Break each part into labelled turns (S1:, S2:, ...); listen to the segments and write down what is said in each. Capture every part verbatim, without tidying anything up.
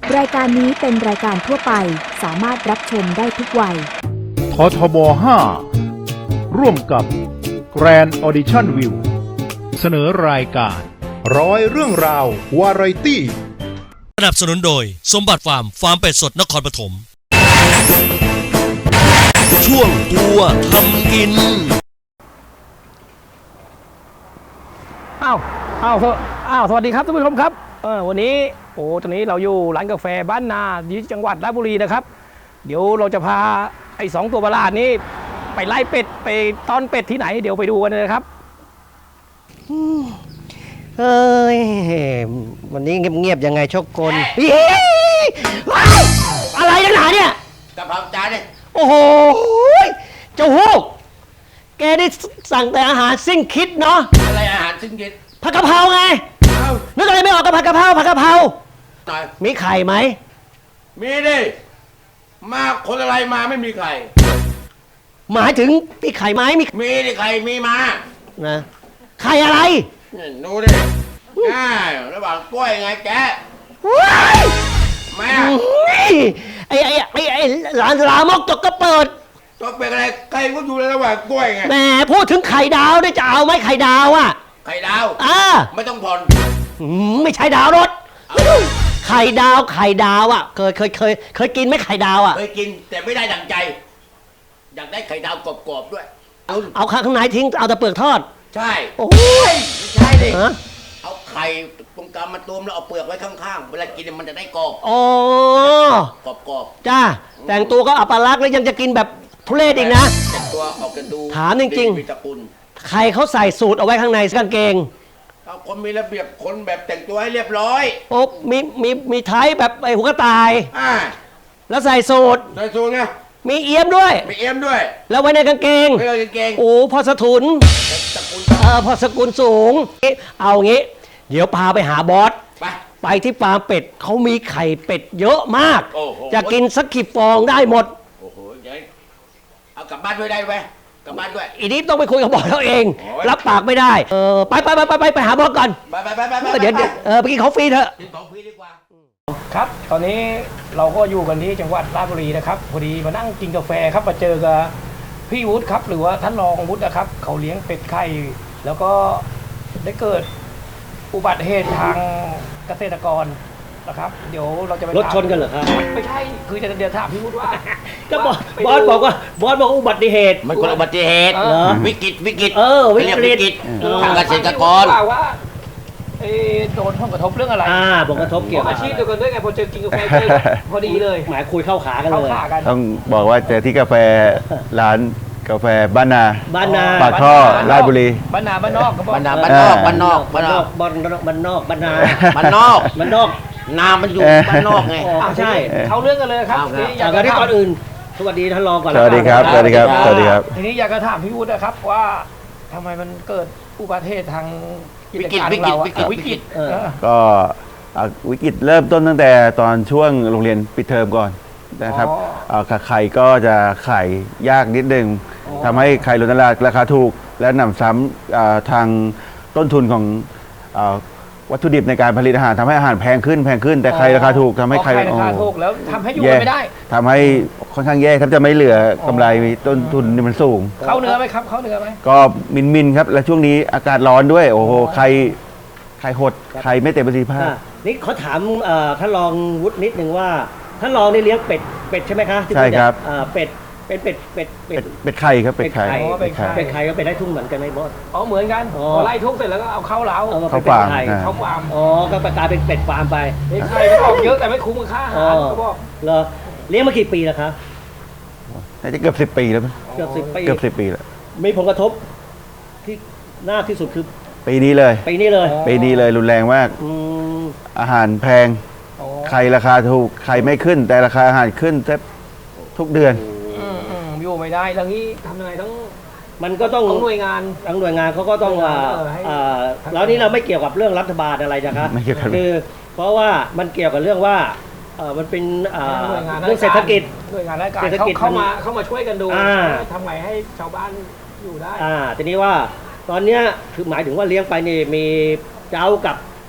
S1: รายการนี้เป็นรายการทั่วไปสามารถรับชมได้ทุกวัย
S2: ททบห้าร่วมกับ Grand Audition View เสนอรายการ
S3: ร้อยเรื่องราววาไรตี้
S4: สนับสนุนโดยสมบัติฟาร์มฟาร์มเป็ดสดนครปฐมช่วงตัวทำกิน
S5: อ้าวอ้าวอ้าวสวัสดีครับท่านผู้ชมครับเออวันนี้โอ้ตอนนี้เราอยู่ร้านกาแฟบ้านนาที่จังหวัดราชบุรีนะครับเดี๋ยวเราจะพาไอ้สองตัวประหลาดนี้ไปไล่เป็ดไปต้อนเป็ดที่ไหนเดี๋ยวไปดูกันเลยครับ
S6: เฮ้ยวันนี้เงียบๆยังไงโชคกลอะไรนักหนาเนี่ย
S7: กะเพราจานเนี่ย
S6: โอ้โหเจ้าฮูกแกได้สั่งแต่อาหารสิ้นคิดเนาะ
S7: อะไรอาหารสิ้นคิด
S6: ผัดกะเพราไงนึกอะไรไม่ออกกับผัดกะเพราผัดกะเพรามีไข่ไหม
S7: มีดิมาคนอะไรมาไม่มีไข่
S6: หมายถึงมีไข่ไหมมี
S7: มีดิไข่มีมา
S6: นะไข่อะไร
S7: ดูดิง่ายระหว่างกล้วยไงแกแม่
S6: ไอ้ไอ้ไอ้ไอ้หลานลามกตกก็เปิด
S7: ตกเป็นอะไรไข่ก็อยู่ในระหว่างกล้วยไง
S6: แหมพูดถึงไข่ดาวได้จะเอาไหมไข่ดาวอ่ะ
S7: ไข่ดาว
S6: อ่า
S7: ไม่ต้องผ่อน
S6: ไม่ใช่ดาวรถไข่ดาวไข่ดาวอ่ะเคยเคยเคยเคยกินไหมไข่ดาวอ่ะ
S7: เคยกินแต่ไม่ได้ดังใจอยากได้ไข่ดาวกรอบๆด้วย
S6: เอาเอาข้างในทิ้งเอาแต่เปลือกทอด
S7: ใช่
S6: โอ้
S7: ยไม่ใช่ดิเอาไข่ตรงกลางมาตุ้มแล้วเอาเปลือกไว้ข้างๆเวลากินมันจะได้กรอบ
S6: อ๋
S7: อกรอบ
S6: ๆจ้าแต่งตัวก็อัปลักษณ์แล้วยังจะกินแบบทุเรศอีกนะ
S7: แต่งตัวออกกันดู
S6: ถามจริงๆใครเขาใส่สูตรเอาไว้ข้างในกางเกง
S7: เอาคนมีระเบียบคนแบบแต่งตัวให้เรียบร้อย
S6: โอ้มีมีมีไทยแบบไอ้หัวกระต่าย
S7: อ่า
S6: แล้วใส่สูตร
S7: ใส่สูตรไง
S6: มีเอี้ยมด้วย
S7: มีเอี้ยมด้วย
S6: แล้วไว้ในกางเกง
S7: ไว้ในกางเกง
S6: โอ้พอสถุนเออพอสกุลสูงเอางี้เดี๋ยวพาไปหาบอส
S7: ไป
S6: ไปที่ฟาร์มเป็ดเขามีไข่เป็ดเยอะมาก
S7: โอ้โห
S6: จะกินสักกี่ฟองได้หมด
S7: โอ้โหเดี๋ยวเอากลับบ้านด้วยได้ไหมกลับบ้านด้วย
S6: อีนี้ต้องไปคุยกับบอสเขาเองรับปากไม่ได้เออไปไปไปไปไปไปหาบอสก่อน
S7: ไปไปไปไป
S6: เดี๋ยวเออไปกินของฟรีเถอะ
S7: กินของฟรีดีกว่า
S5: ครับตอนนี้เราก็อยู่กันที่จังหวัดราชบุรีนะครับพอดีมานั่งกินกาแฟครับมาเจอกับพี่วุฒิครับหรือว่าท่านรองวุฒินะครับเขาเลี้ยงเป็ดไข่แล้วก็ได้เกิดอุบัติเหตุทางเกษตรกรนะครับเดี๋ยวเราจะไป
S6: รถชนกันเหรอครับ
S5: ไม่ใช่คือจะเดี๋ยวถามพี่วุฒิว่า
S6: ก็บอสบอสบอกว่าบอสบอกอุบัติเหตุ
S7: มันคนอุบัติเหตุวิกฤตวิกฤต
S6: เออวิกฤต
S7: ทางเกษตรกร
S5: ว่าโดนผลกระทบเรื่องอะไร
S6: อ่าผลกระทบเกี่ยวกับ
S5: อาชีพเดียวกันด้วยไงพอเจอกินกาแฟพอดีเลย
S6: หมายคุยเข้าขากันเลย
S2: ต้องบอกว่าเจอที่กาแฟร้านกาแฟบ้านนา
S6: บ้านนา
S2: ปากท่อราชบุรี
S5: บ้านนาบ้านนอก
S7: บ้านนาบ้านนอกบ้านนอก
S6: บ้านนอกบ้านนอกบ้านนอกบ้านนา
S7: บ้านนอก
S6: บ้านนอก
S7: นามันอยู่บ้านนอกไง
S5: ใช่เขาเรื่องกันเลยครับ
S6: อยากจะที่ก่อนอื่นสวัสดีท่านรองก่อน
S2: สวัสดีครับสวัสดีครับสวัสดีครับ
S5: ทีนี้อยากจะถามพี่วุฒินะครับว่าทำไมมันเกิดอุบัติเหตุทาง
S7: วิกฤตวิกฤตวิกฤตวิกฤต
S2: ก็วิกฤตเริ่มต้นตั้งแต่ตอนช่วงโรงเรียนปิดเทอมก่อนนะครับไข่ก็จะไข่ยากนิดนึงทำให้ไข่ล้นตลาดราคาถูกและหนำซ้ำทางต้นทุนของวัตถุดิบในการผลิตอาหารทำให้อาหารแพงขึ้นแพงขึ้นแต่ไข่ราคาถูกทำให้ไข่
S5: ราคาถูกแล้วทำให้อยู่ไม่ได้
S2: ทำให้ค่อนข้างแย่ครับจะไม่เหลือกำไรต้นทุนนี่มันสูง
S5: เข้าเนื้อไหมครับเข้าเนื้อไหม
S2: ก็มินมินครับและช่วงนี้อากาศร้อนด้วยโอ้โหไข่ไข่หดไข่ไม่เต็มประสิทธิภาพ
S6: นี่เขาถามท่านรองวุฒินิดนึงว่าท่านรองได้เลี้ยงเป็ดเป็ดใช่ไหมคะ
S2: ใช่ครับ
S6: เป็ดเป็นเป็ดเป็ด
S2: เป็ดเป็ดไข่ครับเป็ดไข่
S6: เป็ดไข่เป็ดไข่ก็เป็ดไร่ทุ่งเหมือนกันไหมบอส
S5: อ๋อเหมือนกันพอไล่ทุ่งเสร็จแล้วก็เอาเข้าเล้า
S2: เข้าฟาร์ม
S5: เข้าฟาร์ม
S6: อ๋อก็กลายเป็นเป็ดฟาร์มไป
S5: ไข่ก็ออกเยอะแต่ไม่คุ้มค่าอาหารก็บอก
S6: เหรอเลี้ยงมากี่ปีแล้วครับ
S2: น่าจะเกือบสิบปีแล้ว
S6: เกือบสิบปี
S2: เกือบสิบปีแล้ว
S6: มีผลกระทบที่หน้าที่สุดคือ
S2: ปีนี้เลย
S6: ปีนี้เลย
S2: ปีนี้เลยรุนแรงมากอาหารแพงไข่ราคาถูกไข่ไม่ขึ้นแต่ราคาอาหารขึ้นแทบทุกเดือน
S5: อยู่ไม่ได้แล้วนี้ทำยังไงต้อง
S6: มันก็ต้อง
S5: หน่วยงาน
S6: ทั้งหน่วยงานเขาก็ต้องแล้วนี้เราไม่เกี่ยวกับเรื่องรัฐบาลอะไรนะครับคือเพราะว่ามันเกี่ยวกับเรื่องว่ามันเป็นเรื่องเศรษฐกิจ
S5: หน่วยงานราชการเข้ามาเข้ามาช่วยกันดูทำไงให้ชาวบ้านอยู่ได้
S6: ทีนี้ว่าตอนนี้คือหมายถึงว่าเลี้ยงไปนี่มีเจ้ากับ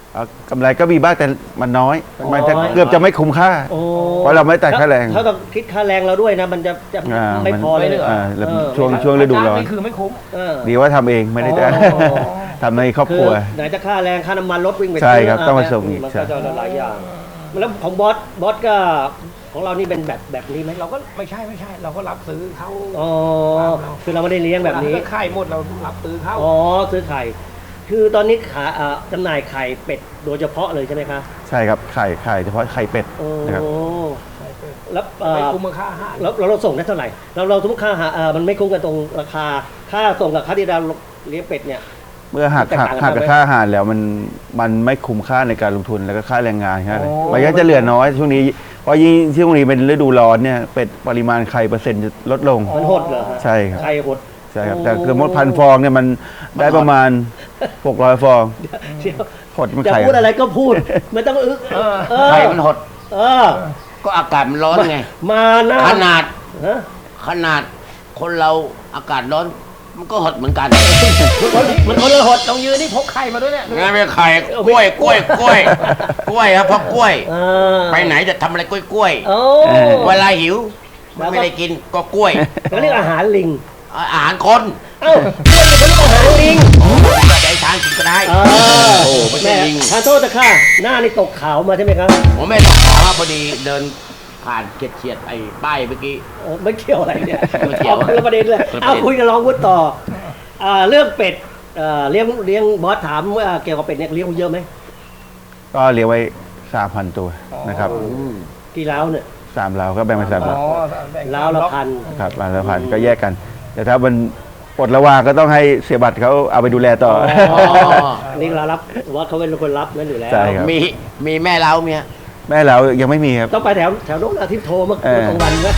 S2: เอ่อกำไรก็มีบ้างแต่มันน้อย
S6: มันน้อย
S2: มันจะเกือบจะไม่คุ้มค่า
S6: โอ้
S2: เพราะเราไม่ตัดค่าแรง
S6: ถ้าต้องคิดค่าแรงเราด้วยนะ มันจะจะ
S2: อ่า
S6: ไม่พอเลย
S5: ไม่เหลือ
S2: อ่าแล้ว
S6: เออ
S2: ช่วงช่วงฤดูร้อน
S5: นี่คือไม่คุ้ม
S6: เออ
S2: ดีว่าทำเองไม่ได้จ้าง
S6: อ๋อ
S2: ทำในครอบ
S6: คื
S2: ค
S6: อ
S2: รัว
S6: ไหนจะค่าแรงค่าน้ำมันรถวิ่งไป
S2: ใช่ครับ
S6: ซื้
S2: ต้องมาส่งอีก
S6: มัน
S2: ใช่
S6: ก็จะหลายอย่างแล้วของบอสบอสก็ของเรานี่เป็นแบบแบบนี้ไหม
S5: เราก็ไม่ใช่ไม่ใช่ เราก็รับซื้อเขา
S6: อ๋อคือเราไม่ได้เลี้ยงแบบนี้
S5: ถ้าไข่หมดเรารับซื้อเขา
S6: อ๋อซื้อไข่ คือตอนนี้ขาอ่าจำหน่ายไข่เป็ดโดยเฉพาะเลยใช่ไหมคะ
S2: ใช่ครับไข่ไข่เฉพาะไข่เป็ด
S6: โอ้
S2: นะครับ
S6: แล้วเอ่
S5: ไม่
S6: อ
S5: คุ้มค่าอาหาร
S6: แล้วเราเราส่งได้เท่าไหร่เราเราสมมติค่าอาหารอ่ามันไม่คุ้มกันตรงราคาค่าส่งกับค่าที่เราเลี้ยงเป็ดเนี่ย
S2: เมื่อหัก
S6: แตก
S2: หัก
S6: ต่างกัน
S2: หักกับ
S6: ไหม
S2: ค่าอาหารแล้วมันมันไม่คุ้มค่าในการลงทุนแล้วก็ค่าแรงงานแค่นั้น
S5: โอ้
S2: มันก็จะเหลือน้อยช่วงนี้เพราะยิ่งช่วงนี้เป็นฤดูร้อนเนี่ยเป็ดปริมาณไข่เปอร์เซ็นต์จะลดลง
S6: มันหดเหรอฮะ
S2: ใช่ครับ
S6: ไข่หด
S2: ใช่ครับ
S6: โอ้
S2: แต่คือมดพันฟองเนี่ยมันได้ประมาณหกร้อยฟอง
S6: เดี๋ยว
S2: หดมัน
S6: จะ
S2: ไข่
S6: พูดอะไรก็พูด ไม่ต้องอึกเออ
S7: ไข่มันหด
S6: เออ
S7: ก็อากาศมันร้อนไง
S6: มาหน้า
S7: ขนาด
S6: ฮะ
S7: ขนาดคนเราอากาศร้อน มันก็หดเหมือนกัน
S6: มันคนละหด
S5: ต้องยืนนี่พกไข่มาด้วยเนี่ย
S7: งั้นไม่ไข่กล้วยกล้วยกล้วยกล้วยครับเพราะกล้วย
S6: เออ
S7: ไปไหนจะทำอะไรกล้วยกล้วย
S6: โอ้
S7: เวลาหิวมันไม่ได้กินก็กล้วย
S6: เขาเรียกอาหารลิง
S7: อาหารคน
S6: เอ้าเขาเรียกอาหารลิง
S7: ใจช้างกินก็ได้
S6: เออ
S7: โอ้ไม่ใช่
S6: แม่
S7: ลิง
S6: ทานโทษนะค่ะหน้านี่ตกขาวมาใช่ไหมครับ
S7: ผมไม่ต้องขอครับพอดีเดินผ่านเฉียดเฉียดๆไอ้ป้ายเมื่อกี้
S6: เออไม่เกี่ยวอะไรเนี่ย
S7: ไม่เกี่ยว
S6: อาคนละประเด็นเลย
S7: คนละประเด็น
S6: เอาคุยกับรองวุฒิต่ออ่าเรื่องเป็ดเอ่อเลี้ยงเลี้ยงบอสถามว่าเกี่ยวกับเป็ดเนี่ยเลี้ยงเยอะไหม
S2: ก็เลี้ยงไว้สามพันตัวนะครับ
S6: กี่ล้าวเนี่ย
S2: สามเราก็แบ่งเป็นสาม
S5: อ๋
S2: เรา
S5: อแบ่ง
S6: ล้าวละพัน
S2: ครับวันละพันก็แยกกัน แต่ถ้ามันปลดระวางก็ต้องให้เสียบัตรเขาเอาไปดูแลต่อ
S7: อ๋อ
S6: อันนี้เรารับบอสเขาเป็นคนรับนั่นอยู่แล้ว
S2: ใช่ครับ
S7: มีมีแม่เล้าเมีย
S2: แม่เรายังไม่มีครับ
S6: ต้องไปแถวแถวโน้นอาทิตย์โทรเมื่อ
S2: เออ
S6: กลางวันนะ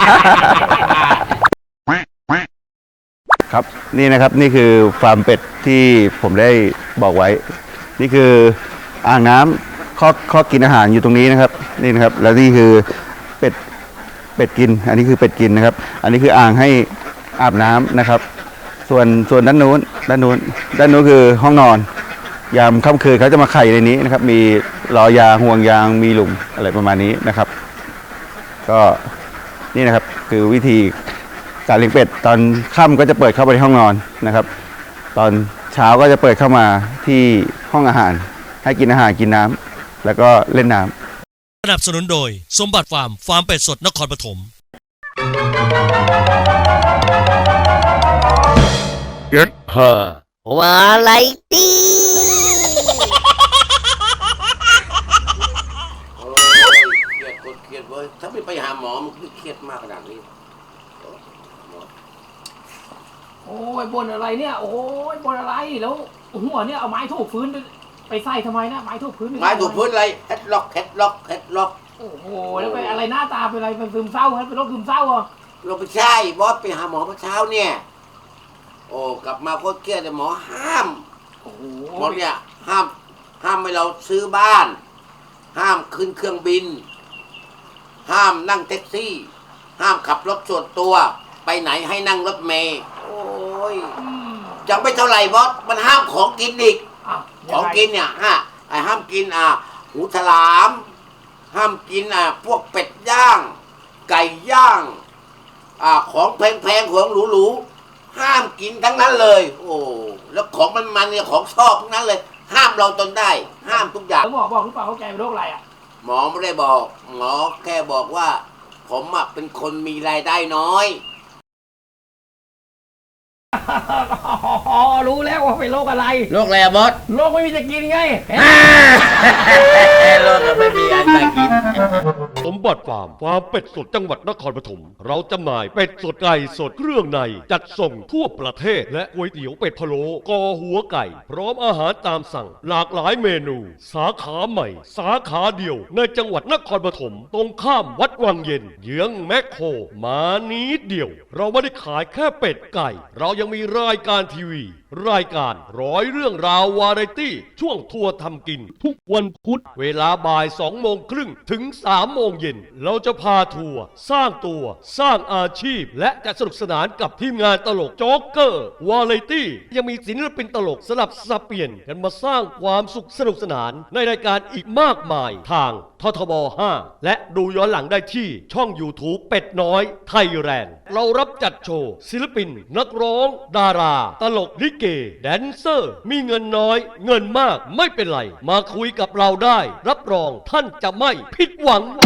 S2: ครับนี่นะครับนี่คือฟาร์มเป็ดที่ผมได้บอกไว้ นี่คืออ่างน้ำข้อข้อกินอาหารอยู่ตรงนี้นะครับนี่นะครับ แล้วนี่คือเป็ดเป็ดกิน อันนี้คือเป็ดกินนะครับ อันนี้คืออ่างให้อาบน้ำนะครับ ส่วนส่วนด้านนู้นด้านนู้นด้านนู้นคือห้องนอน ยามค่ำคืนเขาจะมาไข่ในนี้นะครับ มีรอยางห่วงยางมีหลุมอะไรประมาณนี้นะครับ ก็นี่นะครับคือวิธีการเลี้ยงเป็ดตอนค่ำก็จะเปิดเข้าไปในห้องนอนนะครับ ตอนเช้าก็จะเปิดเข้ามาที่ห้องอาหาร ให้กินอาหารกินน้ำแล้วก็เล่นน้ำ
S4: สนับสนุนโดยสมบัติฟาร์มฟาร์มเป็ดสดนครปฐม
S8: วาไรตี้
S7: โอ้ยเครียดกดเครียดเว้ยถ้าไม่ไปหาหมอมันคือเครียดมากขนาดนี้
S5: โอ้ยบนอะไรเนี่ย โอ้ยบนอะไรแล้วหัวเนี่ยเอาไม้ถูกพื้นไปไปใส่ทำไมนะไม้ถูกพื้นป
S7: ไม้ถูกพื้นอะไรเฮ็ดล็อกเฮ็ดล็อกเฮ็ดล็อก
S5: โอ้โหแล้วไปอะไรหน้าตาเป็นอะไรเป็นซึมเศร้าครับเป็นโรคซึมเศร้าเหรอ
S7: เราไปใช่บอสไปหาหมอเมื่อเช้าเนี่ย โอ้กลับมาโคตรเครียดเลยหมอห้าม
S5: โอ้โห
S7: หมอเนี่ยห้ามห้ามให้เราซื้อบ้าน ห้ามขึ้นเครื่องบิน ห้ามนั่งแท็กซี่ ห้ามขับรถส่วนตัว ไปไหนให้นั่งรถเมล์โอ้ย
S5: อืม
S7: ยังไม่เท่าไหร่บอสมันห้ามของกินอีก
S5: อ่ะ
S7: ของ
S5: ยังไ
S7: กินเนี่ยฮะไอ้ห้ามกินอ่ะหูฉลาม ห้ามกินอ่ะพวกเป็ดย่าง ไก่ย่างอ่าของแพงๆของหรูๆห้ามกินทั้งนั้นเลย โอ้แล้วของมันๆเนี่ยของชอบทั้งนั้นเลย ห้ามเราจนได้ ห้ามทุกอย่าง
S5: แล้วหมอบอกหรือเปล่าเขาแกเป็นโรคอะไรอ่ะ
S7: หมอไม่ได้บอก หมอแค่บอกว่า ผมอ่ะเป็นคนมีรายได้น้อย
S5: อ๋อรู้แล้วว่าเป็นโรคอะไร
S7: โรคอะไรอะบอส
S5: โรคไม่มีจะกินไง
S7: โรคไม่มีอันจะกิน
S4: สมบัติฟาร์มฟาร์มเป็ดสดจังหวัดนครปฐมเราจำหน่ายเป็ดสดไก่สดเครื่องในจัดส่งทั่วประเทศและก๋วยเตี๋ยวเป็ดพะโล้กอหัวไก่ พร้อมอาหารตามสั่งหลากหลายเมนู สาขาใหม่ สาขาเดียวในจังหวัดนครปฐมตรงข้ามวัดวังเย็นเยื้องแมคโครมานิดเดียว เราไม่ได้ขายแค่เป็ดไก่ เรายังมีรายการทีวีรายการร้อยเรื่องราววาไรตี้ ช่วงทัวร์ทำกิน ทุกวันพุธเวลาบ่ายสองโมงครึ่งถึงสามโมงเย็นเราจะพาทัวร์สร้างตัวสร้างอาชีพ และจะสนุกสนานกับทีมงานตลกโจ๊กเกอร์วาไรตี้ยังมีศิลปินตลกสลับสับเปลี่ยนกันมาสร้างความสุขสนุกสนานในรายการอีกมากมายทางททบห้าและดูย้อนหลังได้ที่ช่อง YouTube เป็ดน้อยไทยแลนด์เรารับจัดโชว์ศิลปินนักร้อง ดารา ตลกลิเกแดนเซอร์ มีเงินน้อยเงินมากไม่เป็นไร มาคุยกับเราได้ รับรองท่านจะไม่ผิดหวัง